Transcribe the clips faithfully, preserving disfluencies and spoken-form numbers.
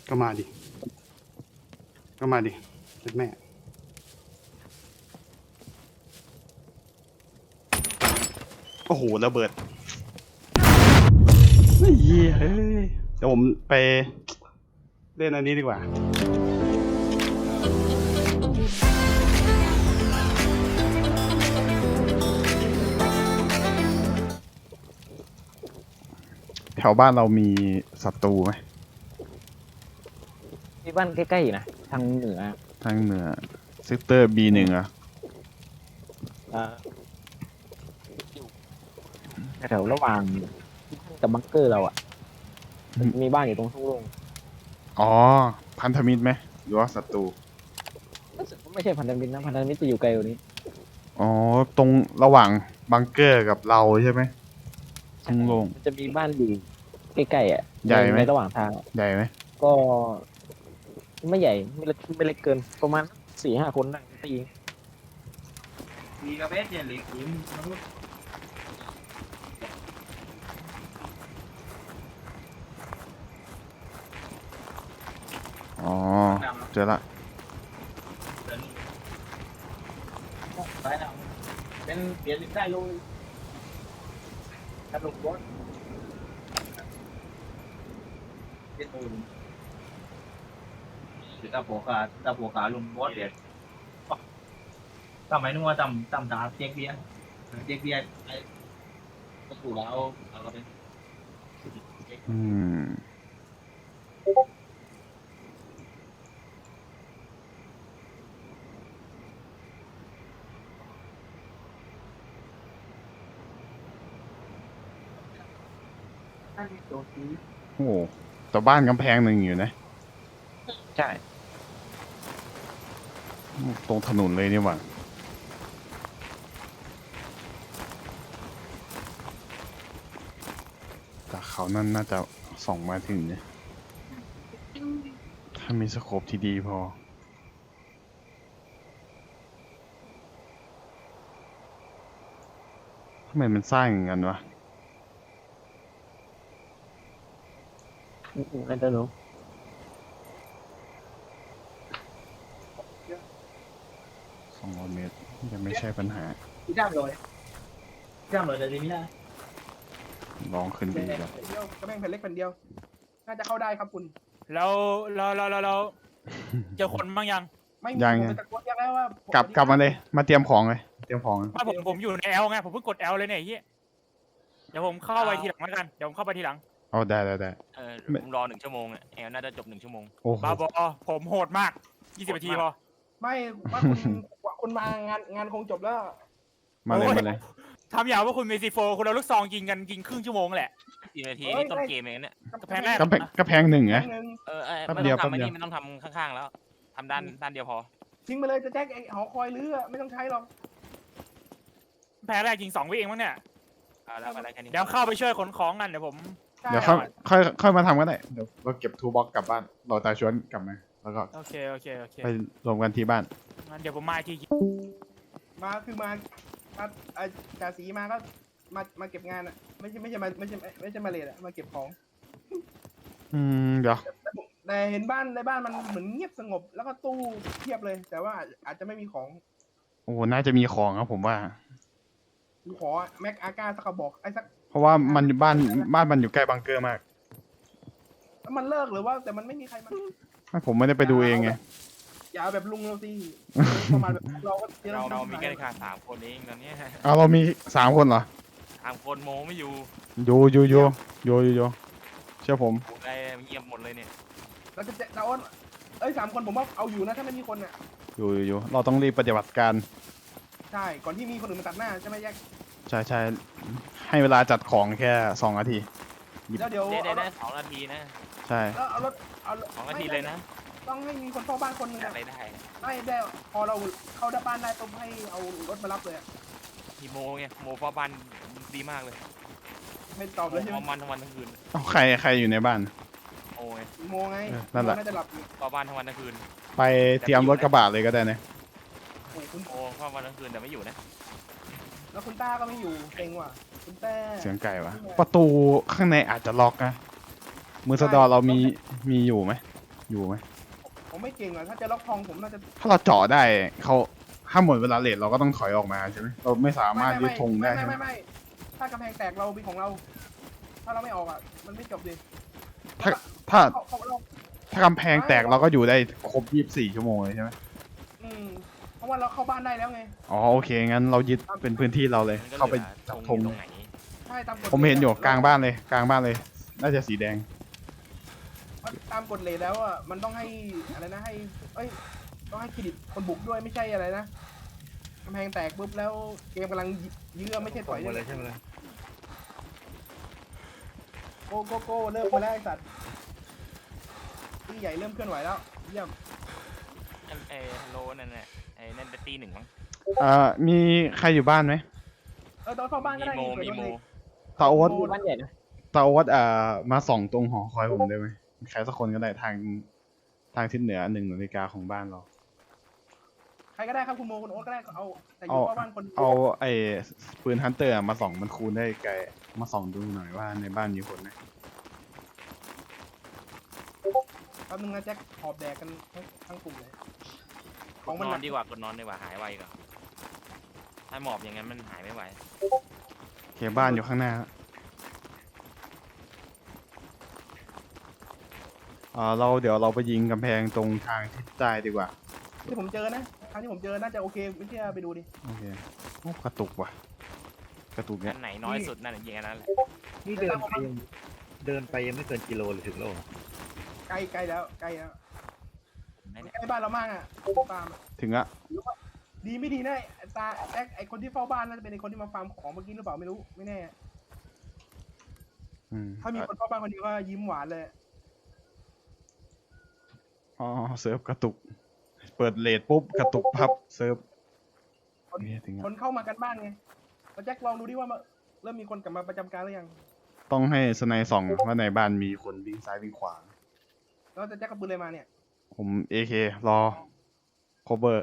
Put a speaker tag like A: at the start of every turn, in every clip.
A: ก็มาดิก็มาดิเป็นแม่โอ้โหระเบิดเฮ้ยเฮ้ยเดี๋ยวผมไปเล่นอันนี้ดีกว่าแถวบ้านเรามีศัตรูไหม
B: ที่บ้านใกล้ๆนะทางเหนือ
A: ทางเหนือเซกเตอร์ บี หนึ่ง อ่ะ
B: อ่าแถวระหว่างกับบังเกอร์เราอ่ะมีบ้านอยู่ตรงทุ่งโล่ง
A: อ๋อพันธมิตรไหมหรือว่าศัตรู
B: ไม่ใช่พันธมิตรนะพันธมิตรจะอยู่ไกลกว่านี้
A: อ๋อตรงระหว่างบังเกอร์กับเราใช่ไหมทุ่งโล่ง
B: จะมีบ้านอยู่ใกล้ๆอ่ะ
A: ใหญ่ไหม
B: ในระหว่างทาง
A: ใหญ่ไหม
B: ก็ไม่ใหญ่ไม่เล็กไม่เล็กเกินประมาณสี่ห้าคนนั่งตี
C: มีกระเบสเนี่ยหรือหิมมนุษย์
A: อ๋อเจอละ
C: ไปแล้วเป็นเปลี่ยนได้เลยกระดูกบอสเจ็ดตูนคือตาโผขาตาโผขาลุงบอสเด็ดทำไมนึกว่าตำตำตาเจ๊กเบียร์เจ๊กเบียร์ไอ้ก็ถูกแล้วเราก็เป็น
A: อืมโอ้แต่บ้านกำแพงหนึ่งอยู่นะ
B: ใช่
A: ตรงถนนเลยนี่หว่าแต่เขานั่นน่าจะส่องมาถึงเนี่ยถ้ามีสโคปที่ดีพอทำไมมันสร้างอย่างนั้นวะ
B: นั่นจะรู้
A: สองร้อยเมตรยังไม่ใช่ปัญหา
C: ที่ด้ามเลยด้ามเลยแต่ทีนี้นะ
A: ลองขึ้นดีก่อน
D: เดียวกระแพงแผ่นเล็กแผ่นเดียวน่าจะเข้าได้ครับคุณ
E: เราเราเราเราเราเจอคนบ้างยัง
D: ไม่มีผมไปตะโกนเรียกแล้วว่าก
A: ลับกลับมาเลยมาเตรียมของเลยเตรียมของ
E: ไม่ผมผมอยู่ในแอลไงผมเพิ่งกดแอลเลยเนี่ยเฮียเดี๋ยวผมเข้าไปทีหลังแล้วกันเดี๋ยวผมเข้าไปทีหลัง
A: อ๋อได้ได้ได้
F: เออผมรอหนึ่งชั่วโมงอ่ะแอลน่าจะจบหนึ่งชั่วโมง
A: โอ้โห
E: บ้าบอผมโหดมากยี่สิบนาทีพอ
D: ไม่ว่าคุณคุณมางานงานคงจบแล้ว
A: มาเลยมาเลย
E: ทำอย่างว่าคุณเมซิโฟคุณเอาลูกซองยิงกันยิงครึ่งชั่วโมงแหละ
F: กี่นาทีนี่ต้นเกมเองเนี่ย
E: กระแพงแรก
A: กระแพงกระแพงหนึ่งไง
F: เออไม่ต้องทำอันนี้มันต้องทำข้างๆแล้วทำด้านด้านเดียวพอ
D: ทิ้งไปเลยจะแจ็คไอ้หอคอยลื้อไม่ต้องใช้หรอก
E: แพ้แรกยิงสองวิเองมั้งเนี่ย
F: แล้วอะไรกันนี่
E: เดี๋ยวเข้าไปช่วยขนของกันเดี๋ยวผม
A: เดี๋ยวค่อยค่อยค่อยมาทำก็ได้เดี๋ยวเราเก็บทูบ็อกกลับบ้านเราตาชวนกลับมาแล้วก็
E: โอเคโอเคโอเค
A: ไปรวมกันที่บ้าน
E: งั้นเดี๋ยวผมมาที
D: มาคือมามาจ่าสีมาก็มามาเก็บงานอ่ะไม่ใช่ไม่ใช่มาไม่ใช่ไม่ใช่มาเลดอ่ะมาเก็บของ
A: อืมเดี๋ยว
D: แต่เห็นบ้านในบ้านมันเหมือนเงียบสงบแล้วก็ตู้เทียบเลย แต่ว่าอาจจะไม่มีของ
A: โอ้น่าจะมีของครับผมว่า
D: ขอแม็กอาก้าสักกระบอกไอ้สัก
A: เพราะว่ามันบ้านบ้านมันอยู่ใกล้บังเกอร์มาก
D: แล้วมันเลิกหรือว่าแต่มันไม่มีใครมา
A: ไม่ผมไม่ได้ไปดูเองไง
D: อย่าแบบลุงเราสิประมาณแบบเราก็
F: เราเรามีแค่ขาสามคนเองตอนนี้
A: อ้าวเรามีสามคนเหรอ
F: สามคนโมไม่อยู่
A: อยู่อยู่อยู่อยู่อยู่เชื่อผม
F: ไอ้เงียบหมดเลยเนี่ย
D: เราจะเราอ้นเอ้ยสามคนผมว่าเอาอยู่นะถ้าไม่มีคนอ่ะ
A: อยู่อยู่เราต้องรีบปฏิบัติการ
D: ใช่ก่อนที่มีคนอื่นมาตัดหน้าจะไม่แยก
A: ใช่ใช่ให้เวลาจัดของแค่สองนาที
D: แล้วเดี๋ยว
F: ได้ได้สองนาทีนะ
A: ใช่
D: แล้วเอารถเอา
F: สองนาทีเลยนะ
D: ต้องให้มีคนเฝ้าบ้านคนนึง
F: อะไรได้
D: ไม่ได้พอเราเข้าได้บ้านได้ต้องให้เอารถมารับเลย
F: ทีโมไงโมฟ้าบ้านดีมากเลย
D: ไม่ตอบเลยใช่ไหม
F: มันทั้งวันทั้งคืน
A: ใครใครอยู่ในบ้าน
F: โอ้ย
D: โมไง
A: นั่นแหละ
D: น่าจะหลับ
F: ฟ้าบ้านทั้งวันทั้งคืน
A: ไปเตรียมรถกระบะเลยก็ได้นะ
F: โอ้ฟ้าบ้านทั้งคืนแต่ไม่อยู่นะ
D: แล้วคุณต้าก็ไม่อยู่เก่งว่ะคุณต้า
A: เสียงไก่วะประตูข้างในอาจจะล็อกนะมือสะดอเรามีมีอยู่ไหมอยู่ไหม
D: ผมไม่เก่งอ่ะถ้าจะล็อกทองผมน่าจะ
A: ถ้าเราเจาะได้เขาถ้าหมดเวลาเลทเราก็ต้องถอยออกมาใช่ไหมเราไม่สามารถยึดธงได้
D: ไม่
A: ใช่ไหม
D: ไม่ไม่ถ้ากำแพงแตกเราเป็นของเรา ถ้าเราไม่ออกอ่ะมันไม่จบดิ
A: ถ้าถ้า
D: เขาเขาเรา
A: ถ้ากำแพงแตกเราก็อยู่ได้ครบยี่สิบสี่ชั่วโมงเลยใช่ไหม
D: อืมเพราะว่าเราเข้าบ้านได้แล้วไง
A: อ๋อโอเคงั้นเรายึดเป็นพื้นที่เราเลย
F: มันก็
A: เข้าไป
F: หลือ
A: จับ
F: ธ
A: ธ
F: ง
A: ง
F: อยู่ตรงไหน
D: ใช่ตามกฎ
A: ผมเห็นอยู่กลางบ้านเลยกลางบ้านเลย น่าจะสีแดง
D: ตามกฎเลทแล้วอ่ะมันต้องให้อะไรนะให้เอ้ยต้องให้เครดิตคนบุกด้วยไม่ใช่อะไรนะกำแพงแตกปุ๊บแล้วเกมกำลังยื้อไม่ใช่ถอย
G: มาเลยใช่ไหมล่ะ
D: โกโกโก้เริ่มมาแล้วไอ้สัตว์ที่ใหญ่เริ่มเคลื่อนไหวแล้วเยี่ยม
F: อันเอฮัลโหลนั่นแหละไอ้นั่นเป็นตีหนึ่งมั้ง
A: เอ่อมีใครอยู่บ้านไหม
D: เออตอนเข้าบ้านก็
F: มี
D: ได้
F: โม
D: นี่
F: มีโม
A: ตาโอ๊ต
B: บ้านใหญ่นะ
A: ตาโอ๊ตเอ่อมาส่องตรงหอคอยผมได้ไหมใครสักคนก็ได้ทางทางทิศเหนือหนึ่งนาฬิกาของบ้านเรา
D: ใครก็ได้ครับคุณโมคุณโอ๊ตก็ได้เอาแต่อยู่
A: เอา
D: เข้าบ้านคน
A: เอาไอ้ปืนฮันเตอร์มาส่องมันคูณได้ไกลมาส่องดูหน่อยว่าในบ้านมีคนไหม
D: แป๊บนึงนะแจ็คหอบแดกกันทั้งทั้งกลุ่มเลยข
F: ก
D: อง
F: ด
D: มัน
F: น
D: ห
F: อ
D: นั
F: น
D: ก
F: ดีกว่ากดนอนดีกว่าหายไวกว่าถ้าหมอบอย่างนั้นมันหายไม่ไหว
A: โอเคบ้านอยู่ข้างหน้าเอ่อเราเดี๋ยวเราไปยิงกำแพงตรงทางทิศใต้ดีกว่า
D: ที่ผมเจอนะครั้งที่ผมเจอน่าจะโอเคไม่เชื่อไปดูดิ
A: โอเคโอ้กระตุกว่ะกระตุก
F: อั
A: เนี่ย
F: นไหนน้อยสุดนั่นยิงอันนั้นแหละ
G: นี่เดินไปยังเดินไปยังไม่เกินกิโลเลยถึงแล้วเหรอ
D: ใกล้ใกล้แล้วใกล้แล้ว
F: ไหนเนี่ย
D: ใกล้บ้านเรามากอ่ะตามอะ
A: ถึงอะ
D: ดีไม่ดีนะไอ้ตาแจ็คไอคนที่เฝ้าบ้านน่าจะเป็นไอคนที่มาฟาร์มของเมื่อกี้หรือเปล่าไม่รู้ไม่แน่
A: อืม
D: ถ้ามีคนเฝ้าบ้านคนเดียวก็ยิ้มหวานเลย
A: อ๋อเซิร์ฟกระตุก เปิดเลทปุ๊บกระตุกพับเซิร์ฟ
D: คน
A: นี่ถึง
D: ค
A: อะ
D: นเข้ามากันบ้านไงแล้วแจ็คลองดูดิว่ามาเริ่มมีคนกลับมาประจำการหรือยัง
A: ต้องให้สไนส่องว่าในบ้านมีคนวิ่งซ้ายวิ่งขวา
D: แล้วจะแจ็คกับปืนอะไรมาเนี่ย
A: ผมเอเครอ cover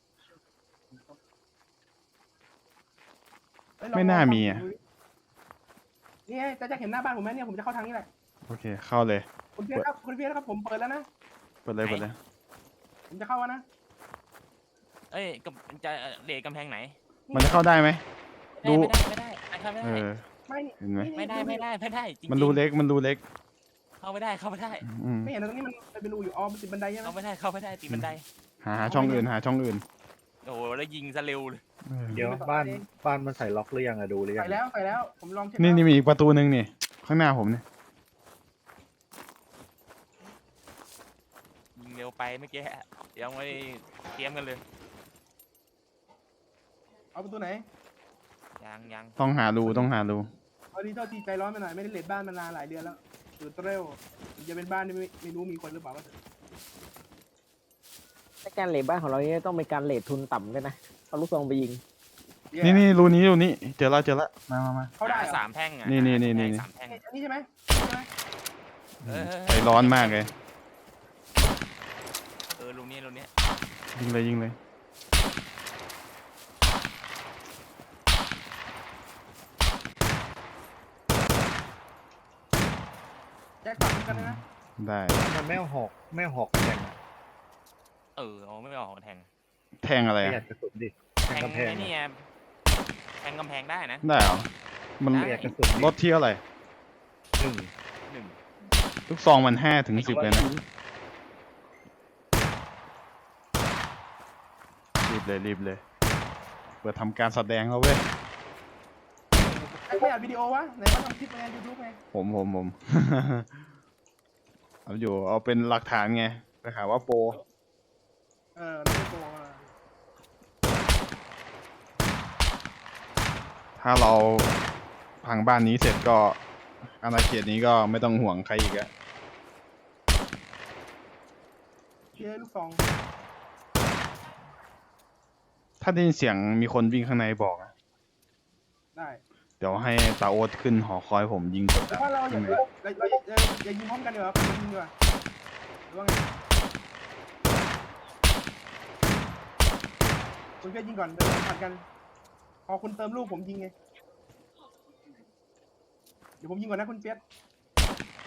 D: เอ้ยลอง
A: ไม่น่า
D: ลอง
A: มีอะ
D: ดูดินี่ไงจะแจ็คเห็นหน้าบ้านผมไหมเนี่ยผมจะเข้าทางนี้แหละ
A: โอเคเข้าเลย
D: คุณเพียรครับคุณเพียรครับผมเปิดแล้วนะ
A: เปิดเลยเปิดเลย
D: ผมจะเข้าแล้วนะ
F: เอ้ยกับจะเลดกำแพงไหน
A: มันจะเข้าได้ไหม ดู
F: ไม่ได้ไม่ได้ไม่ได้
A: เอ
F: ไม่
A: อ
F: ได้
D: ไม่
A: เห็นไหม
D: นี่
F: ไม่ได้ไม่ได้ไม่ได้จริงๆ
A: มันรูเล็กมันรูเล็ก
F: เข้าไม่ได้เข้าไม่ได้
A: อืม
D: ไม่เห็นตรงนี้มันเป็นรูอยู่อ๋อมันติดบันไดใช่ไหม
F: เข้าไม่ได้เข้าไม่ได้ตีบันได
A: หาหาช่องอื่นหาช่องอื่น
F: โอ้โหแล้วยิงซะเร็วเลย
A: เออ
G: เดี๋ยวบ้านบ้านมันใส่ล็อกหรือยังอะดูหรือยั
D: ใส่
G: ง
D: แล้วใส่แล้วผมลองเช็ค
A: นี่
D: แล้ว
A: นี่มีอีกประตูหนึ่งนี่ ข้างหน้าผมเนี่ย
F: ยิงเร็วไปเมื่อกี้ยังไม่เตรียมกันเลย
D: เอาประตูไหน
F: ยังยัง
A: ต้องหารูต้องหารู
D: เอาดีเท่าทีใจร้อนไปหน่อยไม่ได้เลดบ้านมานานหลายเดือนแล้วตื่นเต้วจะเป็นบ้านที่ไม่ไม่รู้มีคนหรือเปล่าก็เถอะ
B: แต่การเลทบ้านของเราเนี่ยต้องเป็นการเลททุนต่ำด้วยนะเอาลูกซองไปยิง
A: นี่นี่รูนี้รูนี้เจอแล้วเจอแล้วมามามา
D: เขาได้เหรอ
F: สามแท่งอ่ะ
A: นี่นี่นี่นี่
F: สามแท่ง
D: อันนี้ใช่ไหมใช่ไหม
F: เออ
A: ใจร้อนมากเลย
F: เออลูกนี้ลูกนี้
A: ยิงเลยยิงเลย
D: แจ็คฝังกันเลยนะ
A: ได้
G: มันไม่เอาหอกไม่เอาหอกแทงอะ
F: เออเอาไม่ออกแทง
A: แทงอะไร
G: ประหยั
A: อะ
G: ดกระสุนดิแท
F: แท
G: ง
F: ง
G: กำแพง
F: ไอ้นี่ไงแทงกำแพงได้นะ
A: ได้เหรอ มัน
F: ได้
G: ประหยัดกระสุนดิ
A: ลดเที่ยวอะไร
G: หนึ่ง
F: หนึ่ง
A: ลูกซองมันห้าถึงสิบเลยนะ รีบเลยรีบเลย เปิดทำการแสดงแล้วเว้ย
D: แจ็คไม่อัดวิดีโอวะไหนมาทำคลิปไงยูทูบไง
A: ผมผมผม เอาอยู่เอาเป็นหลักฐานไงไปหาว่าโปร
D: เออไม่ได้โกงอ่ะ
A: ถ้าเราพังบ้านนี้เสร็จก็อาณาเขตนี้ก็ไม่ต้องห่วงใครอีกอะ
D: เชียร์ลูกซอง
A: ถ้าได้ยินเสียงมีคนวิ่งข้างในบอกนะ
D: ได้
A: เดี๋ยวให้ตาโอ๊ตขึ้นหอคอยผมยิงกด
D: แต่
A: ดัน
D: ว่าเราอย่า
A: ข้างใน
D: เราเราอย่าอย่ายิงพร้อมกันดีกว่ายิงดีกว่าหรือว่าไงคุณเพียรยิงก่อนเดี๋ยวผัดกันพอคุณเติมลูกผมยิงไงเดี๋ยวผมยิงก่อนนะคุณเปียก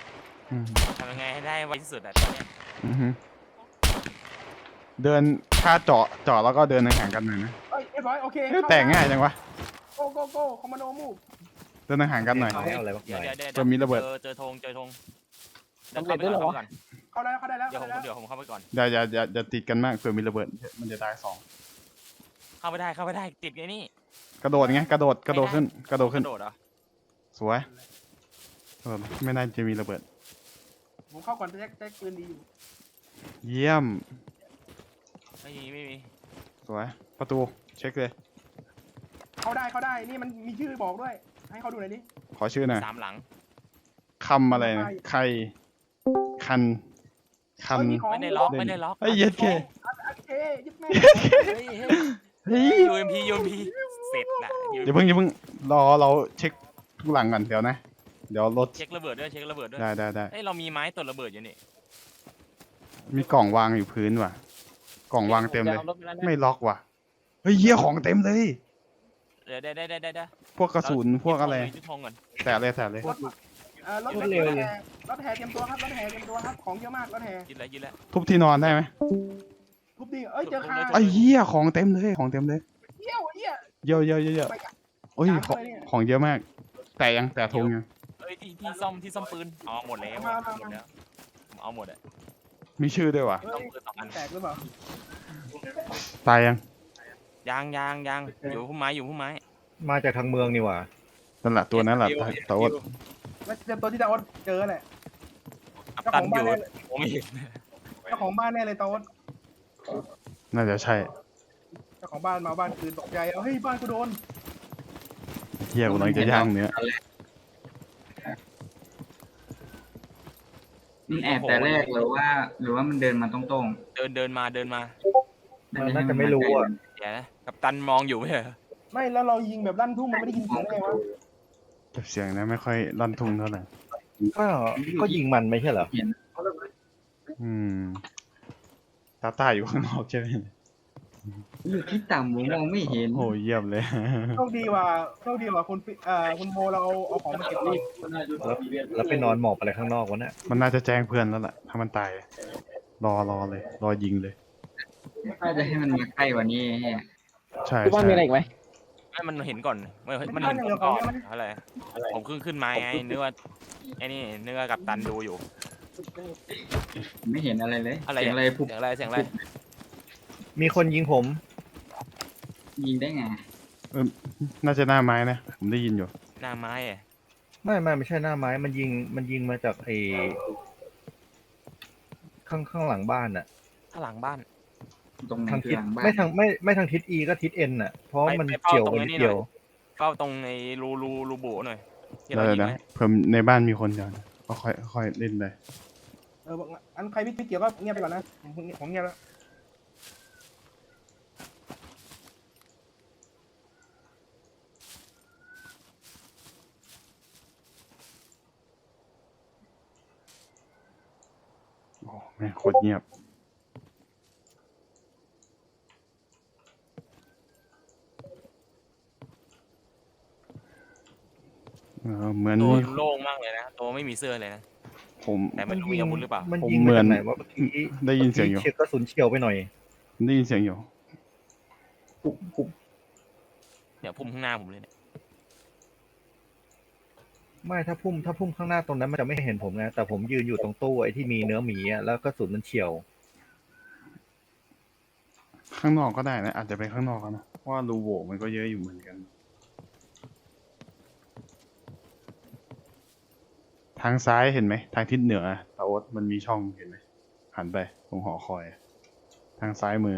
A: อืม
F: ทำยังไงให้ได้ไวที่สุดอะตอนเนี้ย
A: อือฮึเดินถ้าเจาะเจาะแล้วก็เดินห่างๆกันหน่อยนะ
D: เอ้ยเรียบร้อยโอเค
A: เอ้ยแต่ง่ายจังวะ
D: โกโกโกคอมมานโดมูฟ
A: เดินห่างๆกันหน่อย
G: ไม่เอาอะไรมาก
F: เดี๋ยว
G: มาย
F: เดี๋ยวเดี๋ยว
A: จะมีระเบิด
F: เจอเจอธงเจอธงเดี๋ยว
B: สำเร็
F: เข้า
B: จ
F: ไป
B: ด้วยเหร
F: ก่อน
B: อ
F: เข้าไปก่อน
D: เข้าได้แล้วเข้าได้แล้ว
F: เดี๋ยว
D: เข้า
F: ผม
D: ได้แล้ว
F: เดี๋ยวผมเข้าไปก่อน
A: อย่าอย่าอย่าอย่าติดกันมากเผื่อมีระเบิดมันจะตายสอง
F: เข้าไปได้เข้าไปได้ติดไอ้นี่
A: กระโดดไงกระโดดกระโดดขึ้นกระโดด
F: ก
A: ขึ้น
F: ระโดดเหรอ
A: สวยกระโดดไม่น่าจะมีระเบิด
D: ผมเข้าก่อนแจ็คแจ็คปืนดีอยู่
A: เยี่ยม
F: ไม่มีไม่มี
A: สวยประตูเช็คเลย
D: เข้าได้เข้าได้นี่มันมีชื่อบอกด้วย ให้เขาดูหน่อยดิ
A: ขอชื่อหน่อย
F: สามหลัง
A: คำอะไรนะใครคันคัน
D: เอ้ยมีของ
F: ไม่ได้ล็อก
A: เล่น
F: ไม่ได้ล็อก
A: เอ้ยเย็ดเค
D: โอเคยึดแม่
F: เฮ้ยเฮ้ย
A: เฮ้ย
F: ยูเอ็มพียูเอ็มพีเสร็จละ
A: อย่าเพิ่งอย่าเพิ่งรอเราเช็คทุกหลังก่อนเดี๋ยวนะ เดี๋ยวรถ
F: เช็คระเบิดด้วยเช็คระเบิดด้วย
A: ได้ได้ได้
F: เอ้ยเรามีไม้ตดระเบิดอยู่นี่
A: มีกล่องวางอยู่พื้นว่ะ กล่องวางเต็มเลย
B: อารถปแล้วนะ
A: ไม่ล็อกว่ะเฮ้ยเหี้ยของเต็มเลย
F: เดี๋ยวได้ได้ได้ได้ได้
A: พวกกระสุนพวกอะไร
F: ยึดธงก่อน
A: แตะเลยแตะเลย
D: รถเอ่อรถรถแห่รถแห่เตรียมตัวครับรถแห่เตรียมตัวครับของเยอะมากรถแห่
F: ยึดแล้วยึดแล้ว
A: ทุบที่นอนได้ไหม
D: ทุบดีเอ้ยเจอคา
A: ไอ้เหี้ยของเต็มเลยของเต็มเลย
D: เยี่ยวเยี่ย
A: เยอะเยอะเยอะเยอะ
D: ไปกัน
A: โอ้ย
D: ตาม
A: ของ
D: เลยเนี่ย
A: ของเยอะมาก แต่ยังแต่ทงยัง
F: เอ้ยที่ที่ซ่อมที่ซ่อมปืนเอาหมดแล้ว
D: มามา
F: หมดแล้วผมเอาหมดอะ
A: มีชื่อด้วยว่ะ
D: เฮ้
F: ซ่อย มปืนสองอัน
D: แตกหรือเปล่า
A: ตายยัง
F: ยางยางยางอยู่พุ่มไม้อยู่พุ่มไม้
G: มาจากทางเมืองนี่หว่า
A: นั่นแหละตัวนั้นแหละแต่ว่า
D: แล้วเจอตัวที่ตาอดเจอแหละ
F: อับ
D: เจ้า
F: ตั
D: ข
F: น
D: อง
F: อ
D: บ้าน
F: ยู่
D: แน่เลย
F: ผมไม่เห็น
D: เจ้าของบ้านแน่เลยตาอด
A: น่าจะใช่
D: เจ้าของบ้านมาบ้านคืนตกใจเอาเฮ้ยบ้านกูโดน
A: เฮียกำลังจะย่างเนื้อ
H: มันแอบแต่แรกหรือว่า หรือว่ามันเดินมาตรง
F: เดินเดินมาเดินมา
H: ๆ
G: มันน่าจะไม่รู้อ่ะ
F: เดี๋ยวนะกัปตันมองอยู่ไม่เหรอ
D: ไม่แล้วเรายิงแบบลั่นทุ่งมันไม่ได้ยินเสียงได้ไงวะ
A: แต่เสียงนะไม่ค่อยลั่นทุ่งเท่าไหร่
G: ก็ก็ยิงมันไม่ใช่เหรอ
A: อืมตาตาอยู่ข้างนอกใช่ไหม
H: อยู่ที่ต่ำผมมองไม่เห็น
A: โอ้เยี่ยมเลย
D: โชคดีว่าโชคดีว่าคุณปิเอ่อคุณโมเราเอาเอาของมาเก็บก่อน
G: แล้วแล้วไปนอนหมอบอะไรข้างนอกวะเนี่ย
A: มันน่าจะแจ้งเพื่อนแล้วล่ะ ถ้ามันตาย รอรอเลย รอยิงเลย
H: ถ้าจะให้มันมาใกล้กว่านี้แฮะ
A: ใช่
B: ที่บ้าน
A: ใช่
B: มีอะไรอีกไหม
F: ไม่มันเห็นก่อนมันมันเห็นผมก่อนอะไรผมขึ้นขึ้นมาไงนึกว่าไอ้นี่นึกว่ากัปตันดูอยู่
H: ไม่เห็นอะไรเลย
F: อะไร
H: เสียงอะไรผุบ
F: เสียงอะไรเสียงอะไร
G: มีคนยิงผม
H: ยิงได้ไง
A: น่าจะหน้าไม้นะ ผมได้ยินอยู่
F: หน้าไม้อะ
G: ไม่ไม่ไม่ใช่หน้าไม้มันยิงมันยิงมาจากไอ้ข้างข้างหลังบ้านอ่ะ
F: ข้างหลังบ้าน
H: ตรงไหน
G: ทาง
H: คือ
G: ทิศ
H: หลังบ้าน
G: ไม่ทางไม่ไม่ทางทิศอีก็ทิศเอ็นอ่ะ เพราะ
F: ไป
G: มัน
F: ไปเฝ้า
G: เกี่ยว
F: ตรง
G: มัน
F: นี้หน่อย
G: เกี่ยว
F: เฝ้าตรงในรูรูรูโบหน่อยที่
A: เดี๋
F: เรา
A: ยว
F: ยิง
A: นะ
F: ไว้
A: เพิ่มในบ้านมีคนเดียวนะก็ค่อยค่อยเล่นไป
D: เออบอกอันใครไม่เกี่ยวก็เงียบไปก่อนนะผมผมเงียบแล้ว
A: โอ้แม่งโคตรเงียบ เออเหมือน
F: ตัว
A: มี
F: โล่งมากเลยนะตัวไม่มีเสื้อเลยนะ
A: ผม
F: แต่ไม่รู้มีอาวุธหรือเปล่า
G: มัน
A: ผม
G: ยิง
A: เหมื
G: มา
A: อน
G: จากไหนวะเมื่อกี้
A: ได้ยินเสียงอยู่
G: เฉียกกระสุนเฉียวไปหน่อย
A: ผมได้ยินเสียงอยู่
H: ผุบผุบ
F: เดี๋ยวพุ่มข้างหน้าผมเลยเนี่ย
G: ไม่ถ้าพุ่มถ้าพุ่มข้างหน้าตรงนั้นมันจะไม่เห็นผมไงแต่ผมยืนอยู่ตรงตู้ไอ้ที่มีเนื้อหมีอ่ะแล้วกระสุนมันเฉียว
A: ข้างนอกก็ได้นะ อาจจะไปข้างนอกก็นะเพราะว่ารูโหว่มันก็เยอะอยู่เหมือนกัน ทางซ้ายเห็นไหม ทางทิศเหนือตาโอ๊ตมันมีช่องเห็นไหมหันไปตรงหอคอย ทางซ้ายมือ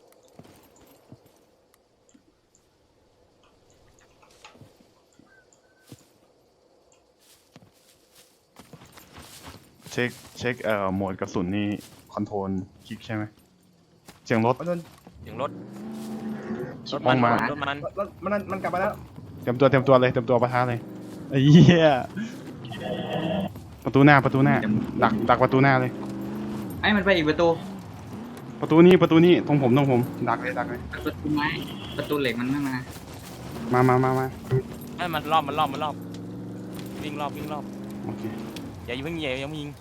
A: เช็คเช็คเอ่อโหมดกระสุนนี่คอนโทรลคลิกใช่ไหมเสียงรถ
D: มันโดน
F: เสียงรถรถ
A: ม
F: มั
A: อน งมา
F: รถมัน
D: รถมันมันกลับมาแล้ว
A: เตรียมตัวเตรียมตัวเลยเตรียมตัวปะทะเลยไอ้เหี้ยประตูหน้าประตูหน้าดักดักประตูหน้าเลย
H: ไอ้มันไปอีกประตู
A: ประตูนี้ประตูนี้ตรงผมตรงผม ดักเลยดักเลย
H: ประตูไม้ประตูเหล็กมันไม่มา
A: มามามามา
F: ให้มันรอบมันรอบมันรอบวิ่งรอบวิ่งรอบ
A: โอเค
F: อย่าอย่ายิงอย่ายังยิง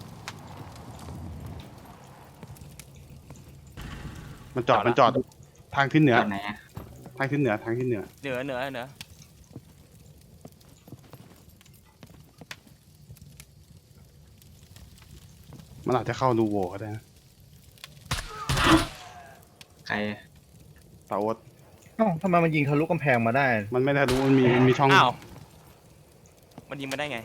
A: มันจอดมันจอดทางทิศเหนือ
H: ตอนไหนอะ
A: ทางทิศเหนือทางทิศเหนือ
F: เหนือเหนือเหนือ
A: มันอาจจะเข้ารูโหว่ก็ได้นะ
H: ใคร
A: ตาโอ๊ต
G: เอ้าทำไมมันยิงทะลุกำแพงมาได้
A: มันไม่ได้รู้มันมีมันมีช่อง
F: อ้าวมันยิงมาได้ไง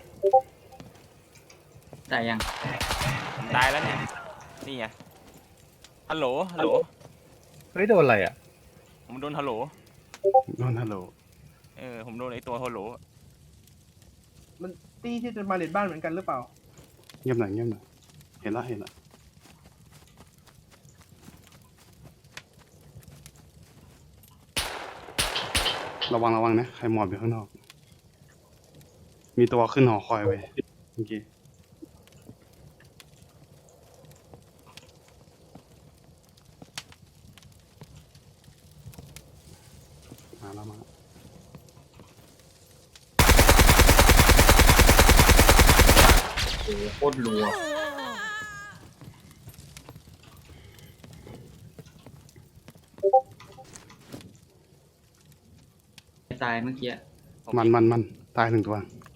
H: ตายยัง
F: ผมตายแล้วเนี่ยนี่ไงฮัลโหลฮัลโหล
G: เฮ้ยโดนอะไรอ่ะ
F: ผมโดนฮัลโหล
A: โดนฮัลโหล
F: เออผมโดนไอตัวฮัลโหล
D: ตี้ที่จะมาเลดบ้านเหมือนกันหรือเปล่า
A: เงียบหน่อยเงียบหน่อยเห็นละเห็นละระวังระวังนะใครหมอบอยู่ข้างนอก มีตัวขึ้นหอคอยไปเมื่อกี้มาแล้วมา
H: โอ้โหโคตรรัวตายเมื่อกี้
A: มันมันมันตายหนึ่งตัว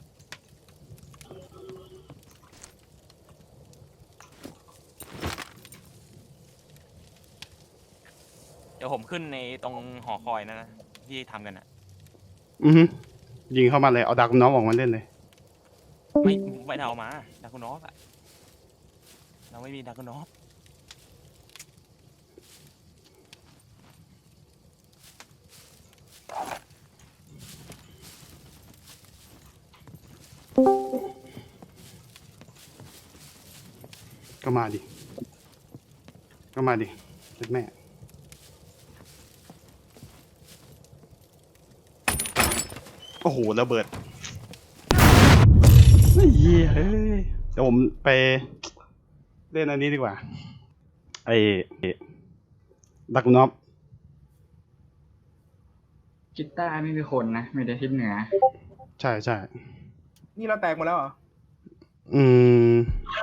F: เดี๋ยวผมขึ้นในตรงหอคอยนะนะที่ทำกันอ่ะ
A: อือฮึยิงเข้ามาเลย เอาดักน้องออกมาเล่นเลย
F: ไม่ไม่ได้เอามาดากุนอฟอะเราไม่มีดากุนอฟ
A: ก็มาดิ ก็มาดิเล็กแม่ โอ้โหระเบิดเฮ้ยเฮ้ยเดี๋ยวผมไปเล่นอันนี้ดีกว่า ไอ้ดักนอฟ
H: กีตาร์ไม่มีคนนะมีแต่ทิศเหนือ
A: ใช่ใช่
D: นี่เราแตกหมดแล้วเหรอ
A: อืม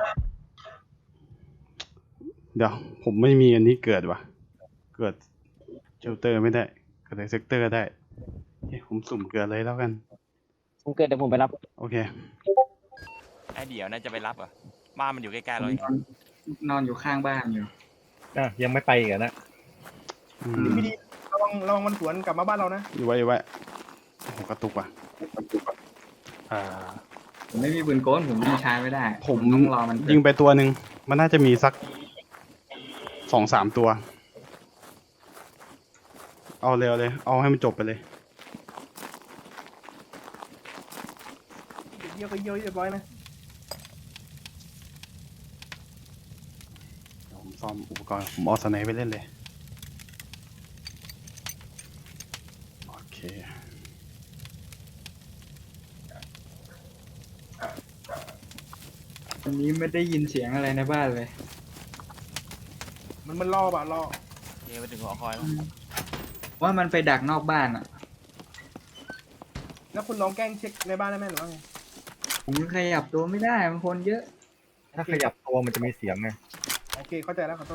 A: เดี๋ยว ผมไม่มีอันนี้เกิดว่ะ เกิดเชลเตอร์ไม่ได้ เกิดในเซกเตอร์ได้เฮ้ยผมสุ่มเกิดเลยแล้วกัน
B: ผมเกิดเดี๋ยวผมไปรับ
A: โอเค
F: ไอเดี๋ยวน่าจะไปรับอ่ะบ้านมันอยู่ใกล้ๆเราเอง
H: นอนนอนอยู่ข้างบ้านอยู่
G: อ่ะยังไม่ไปอีกอะนะ
A: อืม
D: พี่ดีระวังระวังมันสวนกลับมาบ้านเรานะ
A: อยู่ไว้อยู่ไว้โอ้โหกระตุกว่ะอ่า
H: ผมไม่มีปืนโกนผมยิงชาร์จไม่ได้
A: ผม
H: ต้องรอมัน
A: ยิงไปตัวหนึ่ง มันน่าจะมีสักสองสามตัว เอาเร็วเลย เอาให้มันจบไปเลย
D: เยี่ยวก็เยี่ยวเรียบร้อยนะ
A: เดี๋ยวผมซ่อมอุปกรณ์ ผมเอาสไนป์ไปเล่นเลย โอเค
H: วันนี้ไม่ได้ยินเสียงอะไรในบ้านเลย
D: มันมันล่อป่ะล่อ
F: เดี๋ยวไปถึงหอคอยแล้ว
H: ว่ามันไปดักนอกบ้านอ่ะ
D: แล้วคุณลองแกล้งเช็คในบ้านได้ไหมหรือว่าไง
H: ผมขยับตัวไม่ได้มันคนเยอะ
G: ถ้าขยับตัวมันจะมีเสียงไง
D: โอเคเข้าใจแล้วขอโทษ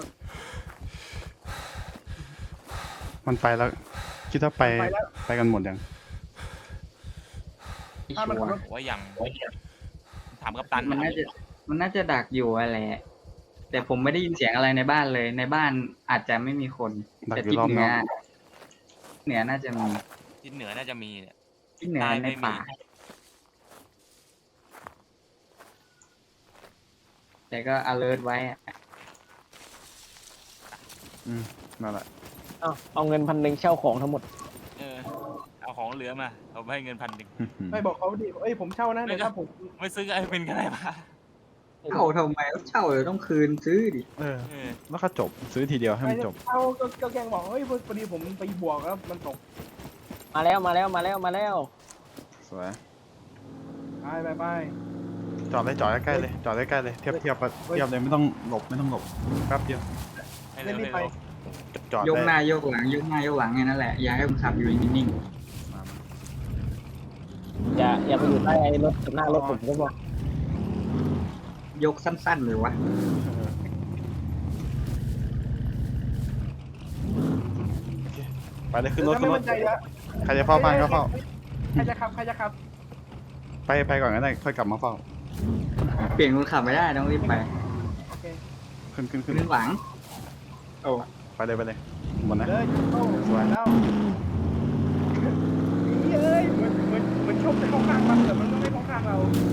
A: มันไปแล้ว คิดว่าไป
D: ไปแล้ว
A: ไปกันหมดยัง
D: ถ้ามันขับรถ
F: ผมว่ายังถามกัปตัน
H: มันน่าจะมันน่าจะดักอยู่อะแหละ แต่ผมไม่ได้ยินเสียงอะไรในบ้านเลย ในบ้านอาจจะไม่มีคน
A: ดัก
H: แต่
A: อยู่
H: ทิศ
A: รอบ
H: เห
A: น
H: นื
A: อ
H: อก เหนือน่าจะมี
F: ทิศเหนือน่าจะมีเนี่ย
H: ทิศเหนือ
F: ใต้
H: ใน
F: ไม่มี
H: ป่า แต่ก็ alert ไว้อะ
A: อืมนั่นแหละ
B: เอาเอาเงินพันหนึ่งเช่าของทั้งหมด
F: เออเอาของเหลือมาเอาไปให้เงินพันหนึ่ง
D: ไม่บอกเขาดิเอ้ยผมเช่านะเดี๋ยวถ้าผม
F: ไม่ซื้อไอ้เป็นกันไรมา
H: เช่าทำไมเช่าเดี๋ยวต้องคืนซื้อดิ
A: เออ
F: เออ
A: แล้วก็จบ ซื้อทีเดียวให้
D: ไม่
A: มันจบ
D: เช่าก็ก็แกล้งบอกเฮ้ยพอดีผมไปบวกแล้วมันตก
B: มาแล้วมาแล้วมาแล้วมาแล้ว
A: สวย
D: ไปไปไป
A: จอดเลยจอดใกล้ๆเลย จอดใกล้ๆเลย เทียบเทียบปะเทียบเลยไม่ต้องหลบไม่ต้องหลบ แป๊บเดียว
F: ให้เร็วให้เร็ว
A: จอด
H: ยกห
A: ได้
H: น้ายกหลังยกหน้ายกหลังแค่นั้นแหละ อย่าให้มันขับอยู่นิ่ง
A: มามา
B: อย่าอย่าไปอยู่ใต้ไอ้รถกับหน้ารถผมก็บอก
H: ยกสั้นๆเลยวะ
A: ไปเลยขึ้นรถ
D: ถ้า
A: ขึ้
D: ไม่
A: นร
D: มั่
A: ถ
D: นใจแล้ว
A: ใครจะเฝ้าบ้านก็เฝ้า
D: ใครจะขับใครจะขับ
A: ไปไปก่อนก็ได้ค่อยกลับมาเฝ้า
H: เปลี่ยนคนขับไม่ได้ต้องรีบไป
D: โอเค
A: ขึ้นขึ้นขึ้น
H: ขึ้นหลัง โอ้
A: ไปเลยไปเลยหมดนะ
D: เลยโอ้สวยแล้วนี่เอ้ยเหมือนเหมือนเหมือนชมจะเข้าข้างมันแต่มันก็ไม่เข้าข้างเรา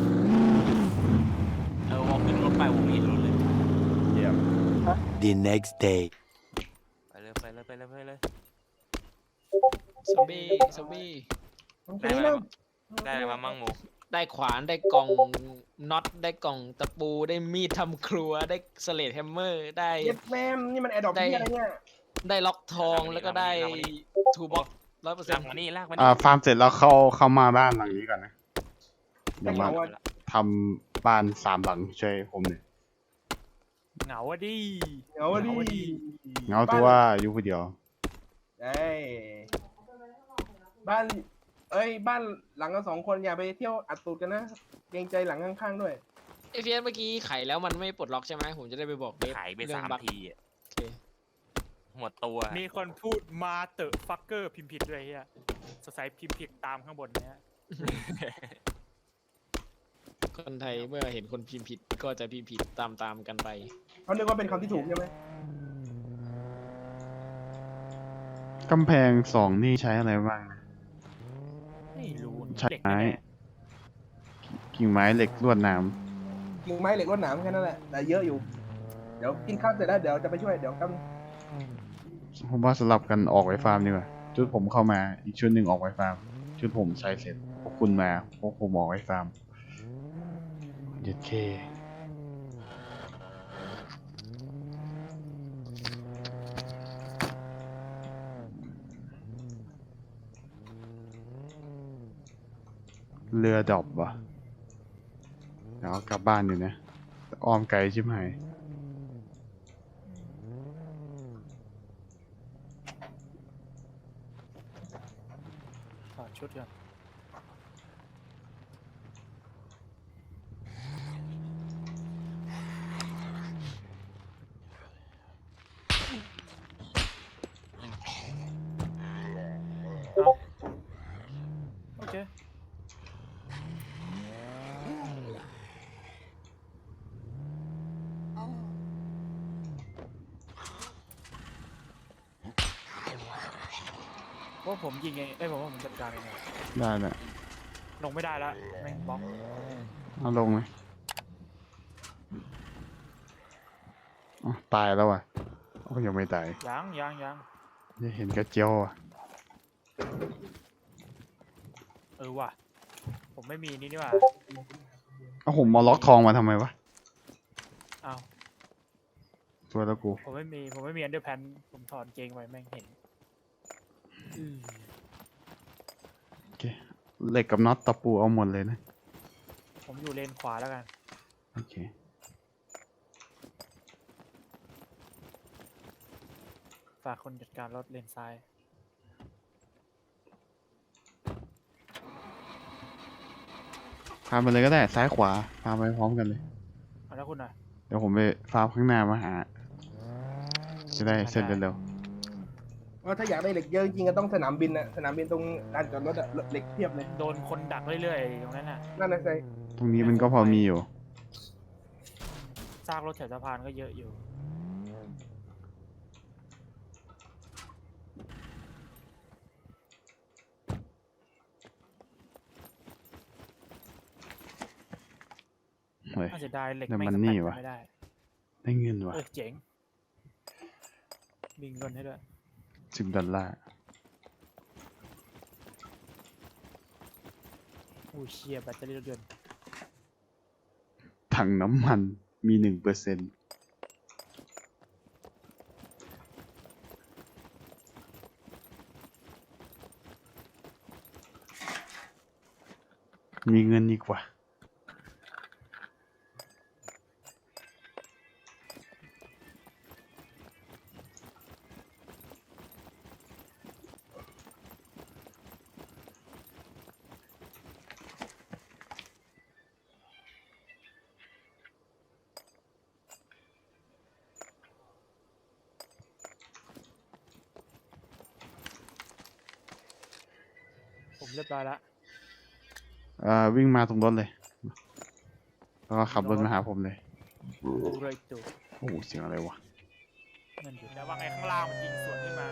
F: เออวอลขึ้นรถไปผมเห็นรถเลย
A: เยี่ยม
I: The next day.
F: ไปเลยไปเลยไปเลยไปเลย
J: ซอมบี้ซอมบี้
F: ได้อะไรมาได้อะไรมามั่งหมู
J: ได้ขวานได้กล่องน็อตได้กล่องตะปูได้มีดทำครัวได้สเลดแฮมเมอร์ได้
D: เย็ดแม่มนี่มันแอร์ดรอป
J: ได้
D: ที่อะไรเนี่ย
J: ได้ล็อกทองแล้วก็ได้ทูบ็อกร้อยเปอร์เซ็น
F: ลาก
J: ต์
F: มานี่ลากมา
A: อ่า
F: นี่
A: ฟาร์มเสร็จแล้วเข้าเข้ามาบ้านหลังนี้ก่อนนะเดี๋ยวมา
D: เอาอะ
A: ทำบ้านสามหลังช่วยผมหน่อย
E: เหงาอะดิ
D: เอาดิ
A: เหงาตัวอยู่คนเดียว
D: ไอ้บ้าน เอ้ยบ้านหลังละสองคนอย่าไปเที่ยวอัดตูดกันนะเกรงใจหลังข้างๆด้วย
J: ไอเฟียสเมื่อกี้ไขแล้วมันไม่ปลดล็อกใช่ไหมผมจะได้ไปบอกเดฟ
F: ขายไป
J: เรื่อ
F: สาง ม
J: บั๊ก
F: ทีอะ
J: โอเค
F: หมดตัว
E: มีคนพูดมาเตอะฟักเกอร์พิมพ์ผิดด้วยเฮียสงสัยพิมพ์ผิดตามข้างบนเนี้ย
J: คนไทยเมื่อเห็นคนพิมพ์ผิดก็จะพิมพ์ผิดตามๆกันไป
D: เขานึกว่าเป็นคำที่ถูกใช่ไหม
A: กำแพงสองนี่ใช้อะไรบ้างนะ
E: ไม่รู้
A: ใช่
E: เด็ก
A: ไม้
E: แน่
A: กิ่งไม้เหล็กลวดหนาม
D: กิ่งไม้เหล็กรวดหนามแค่นั้นแหละแต่เยอะอยู่ เดี๋ยวกินข้าวเสร็จแล้วเดี๋ยวจะไปช่วยเดี๋ยวกัน
A: ผมว่าสลับกันออกไปฟาร์มดีกว่าชุดผมเข้ามาอีกชุดหนึ่งออกไปฟาร์มชุดผมใช้เสร็จพวกคุณมาพวกผมออกไปฟาร์มเย็ดเคเรือดรอปวะเดี๋ยวเอากลับบ้านอยู่นะอ้อมไกลชิบหาย
E: ถอดชุดก่อนเอาโอเค ว่าผมยิงเองเอ้ยผมว่าผมจัดการเองอะ
A: ได้แหละ
E: ลงไม่ได้แล้วแม่งบล็อก
A: เอาลงเลยอ๋อตายแล้วอ่ะโอ้ยังไม่ตาย
E: ยังยังยัง
A: ยังเห็นกระเจียวอ่ะ
E: เออว่ะผมไม่มีนี่นี่หว่า
A: เอาผมมาล็อกทองมาทำไมวะ
E: อ้าว
A: ตัวแล้วกู
E: ผมไม่มีผมไม่มีอันเดอร์แพนผมถอดเกงไว้แม่งเห็นอืม
A: โอเคเหล็กกับน็อตตะปูเอาหมดเลยนะ
E: ผมอยู่เลนขวาแล้วกัน
A: โอเค
E: ฝากคนจัดการรถเลนซ้าย
A: พาไปเลยก็ได้ซ้ายขวาพาไปพร้อมกันเลย
E: เอาแล้วคุณอ่ะ
A: เดี๋ยวผมไปฟาร์มข้างหน้ามาหา จะได้เสร็จเร็ว
D: ว่าถ้าอยากได้เหล็กเยอะจริงๆก็ต้องสนามบินนะสนามบินตรงลานจอดรถอะเหล็กเพียบเลย
E: โดนคนดักเรื่อยๆตรงนั้นน่ะ
D: นั่นนะใช่
A: ๆตรงนี้มันก็พอมีอยู่
E: ซากรถแถวสะพานก็เยอะอยู่
A: เฮ้ย
E: น่าจะได้เหล็ก
A: แต่
E: แม่ง
A: มัน
E: ส
A: นี่
E: แต็ก
A: วะ
E: ไม่ได้
A: ได้เงินว่ะ
E: เออเจ๋งบิงเงินให้ด้วย
A: สิบดอลลาร์
E: อู้เชียแบตเตอรี่รถยนต์
A: ถังน้ำมันมีหนึ่งเปอร์เซ็นต์มีเงินอีกว่า
E: เรียบร้อยแล้ว
A: เอ่อวิ่งมาตรงรถเลย แล้วก็ขับรถมาหาผมเลย
E: ดูเลยจู
A: โอ้โหเสียงอะไรวะ
E: นั่นอยู่แล้วว่าไงข้างล่างมันยิงสวนขึ้นมา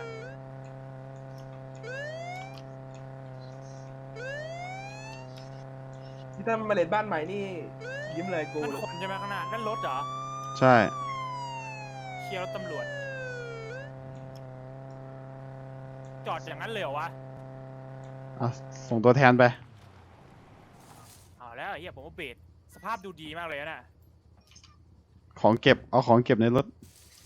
D: ที่ถ้ามาเลดบ้านใหม่นี่ยิ้มเลยกู
E: นั่นคนใช่ไหมข้างหน้านั่นรถเหรอ
A: ใช่
E: เชียร์รถตำรวจ จอดอย่างนั้นเลยเหรอวะ
A: อ่ะส่งตัวแทนไป
E: เอาแล้วไอ้เฮียผมว่าเบสสภาพดูดีมากเลยนะ
A: ของเก็บ เอาของเก็บในรถ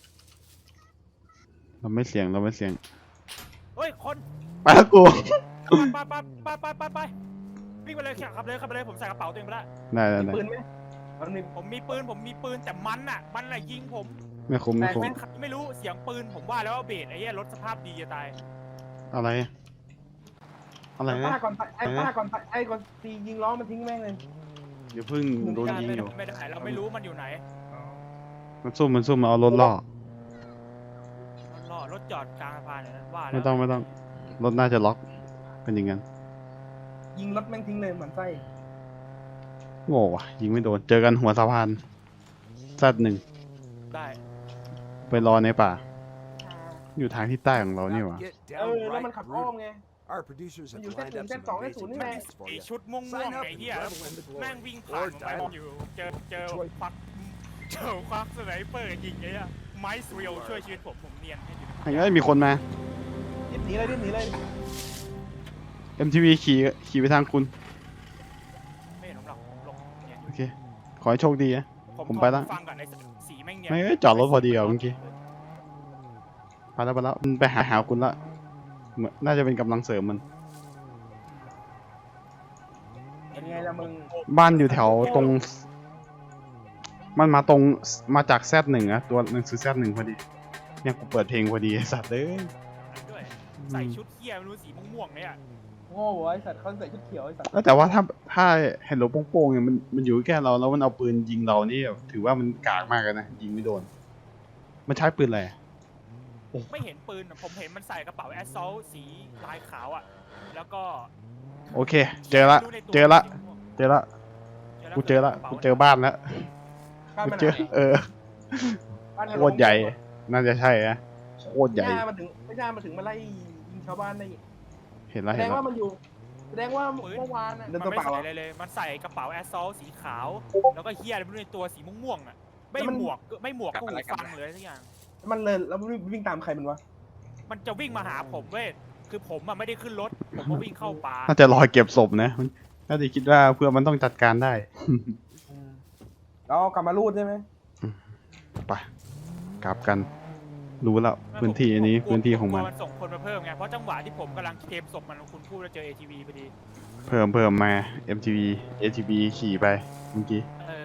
A: เราไม่เสียง เราไม่เสียง
E: เฮ้ย คน
A: ไปแล้วกู
E: ไปไปไปไปไปไปวิ่งไปเลยขับเลยขับไปเลยผมใส่กระเป๋าตัวเองไปแล้ว
A: ได้ได้
D: มี
A: ได้
D: ปืนไหมมันมี
E: ผมมีปืนผมมีปืนแต่มันอ่ะ มันอะยิงผม
A: ไม่คุ้มไม่คุ้ม
E: แม่งขับไม่รู้เสียงปืนผมว่าแล้วว่าเบสไอ้เหี้ยรถสภาพดีจะตาย
A: อะไร อะไร
D: ป้า
A: นะ
D: ก่อนไปไอ้ป้าก่อนไปไอ้ก่อนตียิงล้อมันทิ้งแม่งเลย
A: เดี๋ยวเพิ่งโดนยิง
E: ไม่
A: อยู่
E: ไม่ได้เราไม่รู้มันอยู่ไหน
A: มันซุ่มมันซุ่มมาเอารถล่อ
E: รถล่อรถจอดกลางสะพานอย่างนั้นว่าแล้ว
A: ไม่ต้องไม่ต้อง รถน่าจะล็อก เป็นอย่างนั้น
D: ยิงรถแม่งทิ้งเลยเหมือนไส้
A: โง่ว่ะ ยิงไม่โดน เจอกันหัวสะพานซัดหนึ่ง
E: ได้
A: ไปรอในป่า อยู่ทางที่ใต้ของเรานี่หวะ
D: เออแล้วมันขับอ้อมไง
I: Our producers
D: มัน
I: have
D: อยู่เส้น
I: lined
D: ศูน
I: up
D: ย์
I: some
D: เส้นสองเส้นศูนย์
I: amazing
D: นี่ไง
I: prizes for
E: ไอ
I: you.
E: ชุดม่วงม่วง
I: Sign up
E: ไอ้
I: and
E: เหี้ย
I: battle in the
E: แม่ง
I: glory
E: วิ่งผ่านผมไปผมอยู่เจอเจอควักเจอควักสไนเปอร์ยิงไอ้เหี้ยไม้สเรียวช่วยชีวิตผมผมเนียนให้อยู่
A: อย่างนี้มีคนมา
D: รีบหนีเลยรีบหนีเลย
A: เอ็ม ที วี ขี่ขี่ไปทางคุณ
E: ไม่เห็นผมหรอกผมหลงเนี่ย
A: โอเค ขอให้โชคดีนะ ผมไปละ
E: ฟังก่อนไอ้สีแม่งเนี่ย
A: ไม่เอ้ยจอดรถพอดีเหรอเมื่อกี้ ไปแล้วไปแล้วมันไปหาหาคุณละเหมือนน่าจะเป็นกำลังเสริมมัน
D: เป็นไงล่ะมึง
A: บ้านอยู่แถวตรง มันมาตรงมาจากแซดหนึ่งอะตัวหนังสือแซดหนึ่งพอดีเนี่ยกูเปิดเพลงพอดีไอ้สัตว์เลย
E: ด้วยใส่ชุดเหี้ยไม่รู้สีม่วงๆเนี่ย
D: โง่ไอ้สัตว์เขาใส่ชุดเขียวไอ้สัตว์
A: แล้วแต่ว่าถ้าถ้าเห็นรถโป้งๆเนี่ยมันมันอยู่แค่เราแล้วมันเอาปืนยิงเรานี่แบบถือว่ามันกากมากเลยนะยิงไม่โดน มันใช้ปืนอะไรอะ
E: ไม่เห็นปืนอะผมเห็นมันใส่กระเป๋าแอสซอลสีลายขาวอ่ะแล้วก็
A: โอเค เจอละ
E: ไม่รู้ในตัว
A: เจอละ
E: สีม่วง
A: เจอละ
E: ๆ
A: กูเจอละกูเจอบ้านแล้ว
D: บ้าน
A: กู
D: มัน
A: เจอ เออ
D: บ้านมัน
A: โคตรใหญ่ น่าจะใช่นะโคตรใหญ่
D: ไม่น่ามาถึงไม่น่ามาถึงมาไล่ยิงชาวบ้านได้
A: เห็น
D: แส
A: แล้ว
D: ด
A: เห็น
D: ง
A: แล้ว
D: ว่ามันอยู่แสดงว่า
E: ปืน
D: เมื่อวานน่ะ
E: มันไม่ใส่อะไรเลย มันใส่กระเป๋าแอสซอลสีขาว แล้วก็เฮียอะไรไม่รู้ในตัวสีม่วงๆอ่ะ ไม่หมวกก็ไม่หมวกก็หูฟังเลยทุกอย่าง
D: มันเลยแล้วมันวิ่งตามใครมันวะ
E: มันจะวิ่งมาหาผมเว้ย คือผมอ่ะไม่ได้ขึ้นรถ ผมก็วิ่งเข้าป่า
A: น่าจะรอเก็บศพนะมันน่าจะคิดว่าเพื่อมันต้องจัดการได้
D: เรากลับมารูดใช่ไหม
A: ไปกลับกัน รู้แล้วพื้นที่อันนี้
E: ผกลัว
A: พื้นที่ของมัน
E: กลัวมันส่งคนมาเพิ่มไง เพราะจังหวะที่ผมกำลังเคลมศพมันคุณพูดแล้วเจอ เอ ที วี พอดี
A: เพิ่มเพิ่มมา เอ็ม ที วี เอ ที บี ขี่ไปเมื่อกี้
E: เออ